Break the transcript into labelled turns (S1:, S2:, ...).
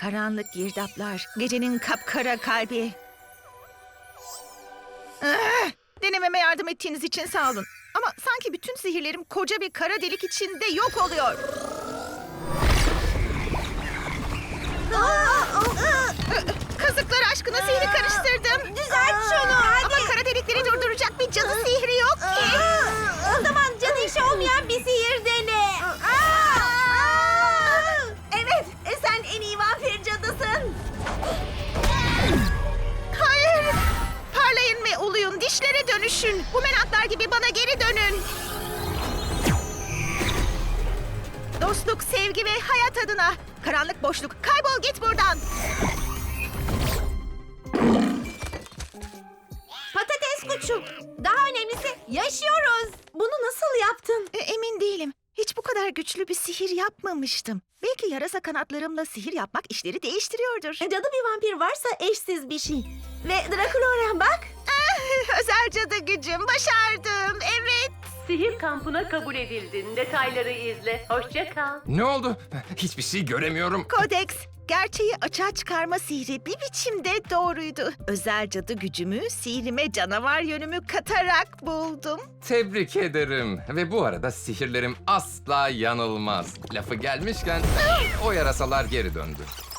S1: Karanlık girdaplar, gecenin kapkara kalbi. Denememe yardım ettiğiniz için sağ olun. Ama sanki bütün sihirlerim koca bir kara delik içinde yok oluyor. Kazıklar aşkına sihri karıştırdım.
S2: Düzelt şunu hadi.
S1: Ama kara delikleri durduracak bir cadı sihri yok ki.
S2: O zaman cadı işi olmayan bir sihir dene. Evet, sen en iyi vampir cadısın.
S1: Hayır. Parlayın ve uluyun, dişlere dönüşün. Bumeranglar gibi bana geri dönün. Dostluk, sevgi ve hayat adına. Karanlık boşluk, kaybol git buradan.
S2: Patates kuşu. Daha önemlisi yaşıyoruz. Bunu nasıl yaptın?
S1: Emin değilim. Hiç bu kadar güçlü bir sihir yapmamıştım. Belki yarasa kanatlarımla sihir yapmak işleri değiştiriyordur.
S2: Cadı bir vampir varsa eşsiz bir şey. Ve Draculaura bak.
S1: Özel cadı gücüm, başardım. Evet.
S3: Sihir kampına kabul edildin. Detayları izle. Hoşça kal.
S4: Ne oldu? Hiçbir şey göremiyorum.
S1: Kodeks, gerçeği açığa çıkarma sihri bir biçimde doğruydu. Özel cadı gücümü sihrime canavar yönümü katarak buldum.
S4: Tebrik ederim. Ve bu arada sihirlerim asla yanılmaz. Lafı gelmişken o yarasalar geri döndü.